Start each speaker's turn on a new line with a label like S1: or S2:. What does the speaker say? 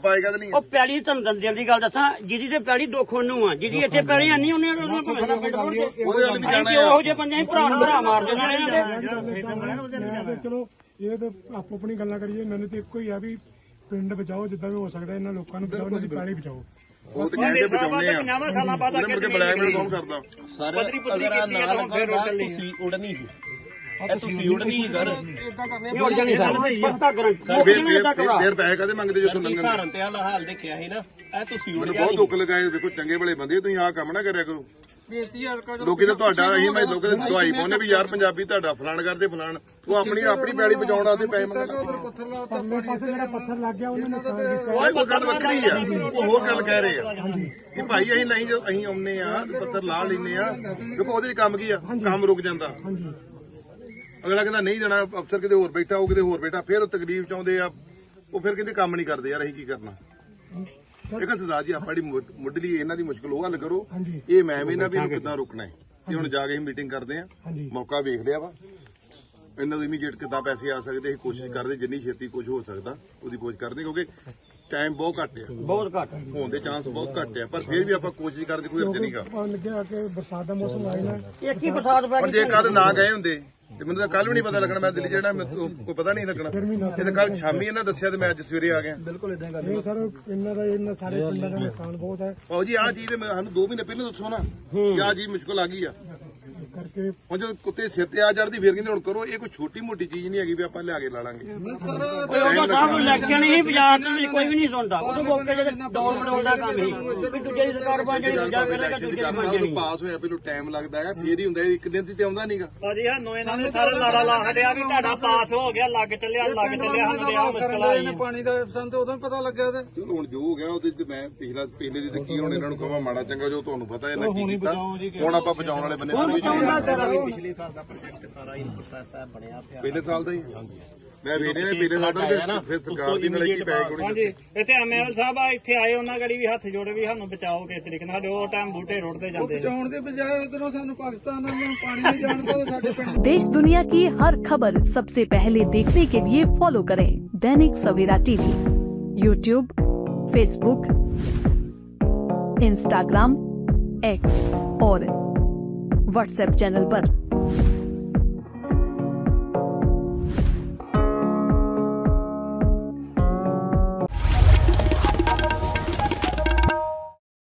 S1: ਪਾਏ ਕਦ ਨਹੀਂ
S2: ਉਹ ਪੈਲੀ ਤੁਹਾਨੂੰ ਦੰਦਿਆਂ ਦੀ ਗੱਲ ਦੱਸਾਂ, ਜਿਹਦੀ ਤੇ ਪੈਲੀ ਦੁੱਖ ਉਹਨੂੰ ਆ, ਜਿਹਦੀ ਇੱਥੇ ਪੈਲੀ ਆਨੀ ਉਹਨੇ
S1: ਉਹਦੇ ਵੱਲ ਵੀ ਜਾਣਾ
S2: ਉਹੋ ਜਿਹੇ ਬੰਦੇ ਭਰਾ ਨੂੰ ਭਰਾ ਮਾਰ ਦੇਣਾ ਇਹਨਾਂ ਦੇ।
S3: ਚਲੋ ਇਹ ਤਾਂ ਆਪੋ ਆਪਣੀ ਗੱਲਾਂ ਕਰੀਏ, ਮੈਨੂੰ ਤੇ ਇੱਕੋ ਹੀ ਆ ਵੀ ਪਿੰਡ ਬਚਾਓ ਜਿੱਦਾਂ ਵੀ ਹੋ ਸਕਦਾ, ਇਹਨਾਂ ਲੋਕਾਂ ਨੂੰ ਬਚਾਓ, ਇਹਨਾਂ ਦੀ ਪੈਲੀ ਬਚਾਓ।
S1: ਉਹ ਤੇ ਕਹਿੰਦੇ ਬਚਾਉਣੇ ਆ,
S2: 50 ਸਾਲਾਂ ਬਾਅਦ
S1: ਉਹਨੇ ਮੁੜ ਕੇ ਬਲੈਕਮੇਲ ਕੌਣ ਕਰਦਾ?
S4: ਸਰ ਅਗਰ ਆ ਨਾ ਲਗਾਉਂਦਾ ਤੁਸੀਂ ਉੜਨੀ ਸੀ, ਇਹ ਤੁਸੀਂ ਉੜਨੀ ਸੀ ਸਰ।
S2: ਉੜ ਜਾਣੀ ਸਰ, ਪੱਕਾ ਗਰੰਟੀ।
S1: ਫੇਰ ਪੈਸੇ ਕਦੇ ਮੰਗਦੇ ਜਦੋਂ ਲੰਘਣ?
S4: ਸਹਾਰਨ ਤੇ ਆਲਾ ਹਾਲ ਦੇਖਿਆ ਸੀ ਨਾ, ਇਹ ਤੁਸੀਂ ਉੜ
S1: ਮੈਨੂੰ
S4: ਗਿਆ
S1: ਬਹੁਤ ਦੁੱਖ ਲਗਾਏ। ਵੇਖੋ ਚੰਗੇ ਭਲੇ ਬੰਦੇ, ਤੁਸੀਂ ਆਹ ਕੰਮ ਨਾ ਕਰਿਆ ਕਰੋ। ਲੋਕੀ ਤਾਂ ਤੁਹਾਡਾ ਅਸੀਂ ਮੈਂ ਲੋਕਾਂ ਦੀ ਦਵਾਈ ਪਾਉਨੇ ਵੀ ਯਾਰ ਪੰਜਾਬੀ ਤੁਹਾਡਾ ਫਲਾਣ ਕਰਦੇ ਫਲਾਣ, ਉਹ ਆਪਣੀ ਪੈਲੀ ਬਚਾਉਣ ਆਤੇ ਪੈਸੇ ਮੰਗਦਾ।
S3: ਪਰਲੇ ਪਾਸੇ ਜਿਹੜਾ ਪੱਥਰ ਲੱਗ ਗਿਆ ਉਹਨੇ ਨੁਕਸਾਨ ਕੀਤਾ।
S1: ਉਹ ਗੱਲ ਵੱਖਰੀ ਆ, ਉਹ ਹੋਰ ਗੱਲ ਕਹਿ ਰਹੇ ਆ ਕਿ ਭਾਈ ਅਸੀਂ ਨਹੀਂ, ਜੋ ਅਸੀਂ ਆਉਨੇ ਆ ਪੱਥਰ ਲਾ ਲੈਨੇ ਆ, ਦੇਖੋ ਉਹਦੇ ਚ ਕੰਮ ਕੀ ਆ, ਕੰਮ ਰੁਕ ਜਾਂਦਾ। ਅਗਲਾ ਕਹਿੰਦਾ ਨਹੀਂ ਜਾਣਾ, ਅਫਸਰ ਕਿਤੇ ਹੋਰ ਬੈਠਾ, ਉਹ ਕਿਤੇ ਹੋਰ ਬੈਠਾ, ਫਿਰ ਉਹ ਤਕਲੀਫ ਚਾਹੁੰਦੇ ਆ, ਉਹ ਫਿਰ ਕਹਿੰਦੇ ਕੰਮ ਨਹੀਂ ਕਰਦੇ। ਯਾਰ ਅਸੀਂ ਕੀ ਕਰਨਾ? ਇੱਕ ਸਰਦਾਰ ਜੀ ਆਪਾਂ ਜਿਹੜੀ ਮੁੱਢਲੀ ਇਹਨਾਂ ਦੀ ਮੁਸ਼ਕਲ ਉਹ ਹੱਲ ਕਰੋ। ਇਹ ਮੈਂ ਵੀ ਨਾ ਵੀ ਇਹਨੂੰ ਕਿੱਦਾਂ ਰੋਕਣਾ ਹੈ, ਤੇ ਹੁਣ ਜਾ ਕੇ ਅਸੀਂ ਮੀਟਿੰਗ ਕਰਦੇ ਆ, ਮੌਕਾ ਵੇਖ ਲਿਆ ਵਾ, ਇਹਨਾਂ ਨੂੰ ਇਮੀਡੀਏਟ ਕਿੱਦਾਂ ਪੈਸੇ ਆ ਸਕਦੇ, ਅਸੀਂ ਕੋਸ਼ਿਸ਼ ਕਰਦੇ ਜਿੰਨੀ ਛੇਤੀ ਕੁਝ ਹੋ ਸਕਦਾ ਉਹਦੀ ਕੋਸ਼ਿਸ਼ ਕਰਦੇ, ਕਿਉਂਕਿ ਟਾਈਮ ਬਹੁਤ ਘੱਟ ਆ,
S2: ਬਹੁਤ ਘੱਟ
S1: ਹੋਣ ਦੇ ਚਾਂਸ ਬਹੁਤ ਘੱਟ ਆ, ਪਰ ਫਿਰ ਵੀ ਆਪਾਂ ਕੋਸ਼ਿਸ਼ ਕਰਦੇ, ਕੋਈ ਅਰਜ਼ ਨਹੀਂਗਾ।
S3: ਲੱਗਿਆ ਕਿ ਬਰਸਾਤ ਦਾ ਮੌਸਮ ਆਇਆ ਨਾ,
S2: ਇੱਕ ਹੀ ਬਰਸਾਤ ਪੈ
S1: ਪਰ ਜੇ ਕੱਲ ਨਾ ਗਏ ਹੁੰਦੇ ਤੇ ਮੈਨੂੰ ਤਾਂ ਕੱਲ ਵੀ ਨਹੀਂ ਪਤਾ ਲੱਗਣਾ, ਮੈਂ ਦਿੱਲੀ ਜਿਹੜਾ ਕੋਈ ਪਤਾ ਨਹੀਂ ਲੱਗਣਾ। ਇਹ ਤਾਂ ਕੱਲ ਸ਼ਾਮੀ ਇਹਨਾਂ ਦੱਸਿਆ ਤੇ ਮੈਂ ਅੱਜ ਸਵੇਰੇ ਆ ਗਿਆ।
S3: ਬਿਲਕੁਲ ਇਦਾਂ ਗੱਲ ਇਹ ਸਰ ਇਹਨਾਂ ਸਾਰੇ ਪਿੰਡਾਂ ਦਾ ਨੁਕਸਾਨ ਬਹੁਤ ਹੈ।
S1: ਆਓ ਜੀ ਆਹ ਚੀਜ਼ ਤੇ ਸਾਨੂੰ 2 ਮਹੀਨੇ ਪਹਿਲਾਂ ਦੱਸੋ ਨਾ ਕਿ ਆਹ ਚੀਜ਼ ਮੁਸ਼ਕਲ ਆ ਗਈ ਆ।
S3: ਕਰਕੇ
S1: ਹੁਣ ਜਦੋਂ ਕੁੱਤੇ ਸਿਰ ਤੇ ਆ ਚੜਦੀ ਫਿਰ ਕਹਿੰਦੇ ਹੁਣ ਕਰੋ, ਇਹ ਕੋਈ ਛੋਟੀ ਮੋਟੀ ਚੀਜ਼ ਨਹੀਂ ਹੈਗੀ ਵੀ ਆਪਾਂ ਲਿਆ ਕੇ ਲਾ ਲਾਂਗੇ।
S2: ਉਹ ਸਾਹਿਬ ਨੂੰ ਇਲੈਕਸ਼ਨ ਹੀ ਬਾਜ਼ਾਰ ਚ ਕੋਈ ਵੀ ਨਹੀਂ ਸੁਣਦਾ, ਉਹ ਮੌਕੇ ਜਿਹੜੇ ਡੋਲ ਮਡੋਲ ਦਾ ਕੰਮ ਹੀ ਵੀ ਦੂਜੇ ਦੀ ਸਰਕਾਰ ਬਣ ਜਾਣੀ, ਦੂਜਾ ਕਰੇਗਾ ਦੂਜੇ ਦੀ ਬਣ ਜਾਣੀ।
S1: ਪਾਸ ਹੋਇਆ ਪਹਿਲਾਂ ਟਾਈਮ ਲੱਗਦਾ ਹੈ, ਫੇਰ ਹੀ ਹੁੰਦਾ, ਇੱਕ ਦਿਨ ਤੇ ਆਉਂਦਾ ਨਹੀਂਗਾ।
S2: ਭਾਜੀ ਸਾਨੂੰ ਇਹਨਾਂ ਨੇ ਸਾਰੇ ਲਾੜਾ ਲਾ ਛੱਡਿਆ ਵੀ ਤੁਹਾਡਾ ਪਾਸ ਹੋ ਗਿਆ, ਲੱਗ ਚੱਲਿਆ ਸਾਨੂੰ ਤੇ ਆਹ ਮੁਸ਼ਕਲ ਆਈ।
S5: ਪਾਣੀ ਦਾ ਸਾਨੂੰ ਉਦੋਂ ਪਤਾ ਲੱਗਿਆ ਤੇ
S1: ਚਲੋ ਹੁਣ ਜੋ ਹੋ ਗਿਆ ਉਹਦੇ ਚ ਮੈਂ ਪਹਿਲੇ ਦੀ ਤਾਂ ਕੀ ਹੁਣ ਇਹਨਾਂ ਨੂੰ ਕਹਾਂ ਮਾੜਾ ਚੰਗਾ, ਜੋ ਤੁਹਾਨੂੰ ਪਤਾ ਇਹਨਾਂ ਕੀ ਕੀਤਾ, ਹੁਣ ਆਪਾਂ ਬਚਾਉਣ ਵਾਲੇ ਬੰਦੇ।
S4: ਪਿਛਲੇ ਸਾਲ ਦਾ ਪ੍ਰੋਜੈਕਟ ਸਾਰਾ ਹੀ ਪ੍ਰੋਸੈਸ ਬਣਿਆ ਪਿਆ,
S1: ਪਹਿਲੇ ਸਾਲ ਦਾ ਹੀ ਮੈਂ ਵੇਖਦੇ ਨੇ ਪਹਿਲੇ ਸਾਲ ਦਾ, ਫਿਰ ਸਰਕਾਰ ਦੀ ਨਾਲ ਕੀ ਪੈ ਕੋਣੀ।
S2: ਹਾਂਜੀ ਇੱਥੇ ਐਮਐਲ ਸਾਹਿਬ ਆ, ਇੱਥੇ ਆਏ, ਉਹਨਾਂ ਗੜੀ ਵੀ ਹੱਥ ਜੋੜੇ ਵੀ ਸਾਨੂੰ ਬਚਾਓ ਕਿਸ ਤਰੀਕੇ ਨਾਲ, ਸਾਡੇ ਉਹ ਟਾਈਮ ਬੂਟੇ ਰੁੜਦੇ ਜਾਂਦੇ।
S5: ਬਚਾਉਣ ਦੇ ਬਜਾਏ ਉਧਰੋਂ ਸਾਨੂੰ ਪਾਕਿਸਤਾਨ ਨੂੰ ਪਾਣੀ ਨਹੀਂ ਜਾਣ ਦਿੰਦੇ ਸਾਡੇ ਪਿੰਡ।
S6: देश दुनिया की हर खबर सबसे पहले देखने के लिए फॉलो करें Dainik Savera TV, YouTube, Facebook, Instagram, X और व्हाट्सएप चैनल पर।